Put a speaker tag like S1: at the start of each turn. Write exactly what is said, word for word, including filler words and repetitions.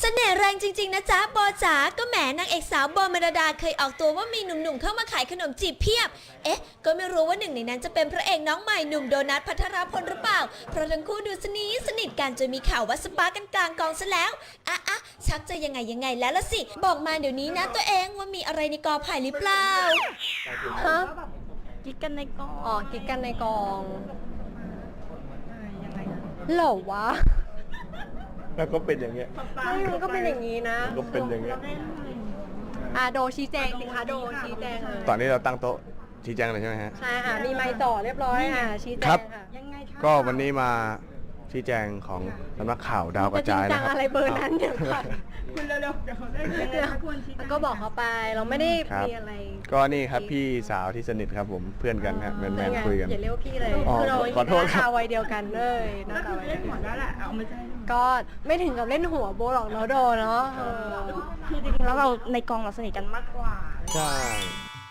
S1: เสน่ห์แรงจริงๆนะจ๊ะโบจ๋าก็แหมนางเอกสาวโบเมลดาเคยออกตัวว่ามีหนุ่มๆเข้ามาขายขนมจีบเพียบเอ๊ะก็ไม่รู้ว่าหนึ่งในนั้นจะเป็นพระเอกน้องใหม่หนุ่มโดนัทภัทรพลหรือเปล่าเพราะทั้งคู่ดูสนิทสนิทกันจนมีข่าวว่าสปากันกลางกองซะแล้วอ่ะอ่ะชักจะยังไงยังไงแล้วละสิบอกมาเดี๋ยวนี้นะตัวเองว่ามีอะไรในกอไผ่หรือเปล่า
S2: ฮะกิ๊กกันในกองอ๋อกิ๊กกันในกองเหรอวะ
S3: แล้วก็เป็นอย่างเงี้ย
S2: ไม่มันก็เป็นอย่างนี้นะ
S3: ก็เป็นอย่างเงี้ย
S2: อ่ะโดชี้แจงสิคะโดชี้แจงเลย
S3: ตอนนี้เราตั้งโต๊ะชี้แจงเลยใช่ไหมฮะ
S2: ใช่ค่ะมีไมค์ต่อเรียบร้อยค่ะชี้แจ
S3: ครั
S2: ง
S3: บ
S2: ค่ะยังไงคะ
S3: ก็วันนี้มาชี้แจงของสำนักข่าวดาวกระจาย
S2: จริงจั
S3: นะ
S2: ง
S3: ครับ
S2: อะไรเบอร์นั้นเนี่ยค่ะ
S4: คุณเร็วๆเดี๋ยวเขาได้ยังไงคะคุณชี้แจง
S2: ก็บอกเขาไปเราไม่ได้
S3: ครับ
S2: มีอะไร
S3: ก็นี่ครับพี่สาวที่สนิทครับผมเพื่อนกันฮะแมนแมนๆคุยกัน
S2: อย่าเรียกว่าพี่เลย
S3: อ๋อ
S2: คือเรา
S3: ขอโทษ
S2: หน้า
S3: ครับ
S2: ตาวัยเดียวกันเลยห
S4: ก็
S2: น้าตา
S4: คือ
S2: วัย
S4: เล่
S2: เดียว
S4: นหัว
S2: กัน
S4: แล้วแหละเอาไม่ใช่
S2: ก็ไม่ถึงกับเล่นหัวโบหรอกเนาะโดเนาะเออ
S4: คือจริงๆแล้วเราในกองเราสนิทกันมากกว่า
S3: ใช่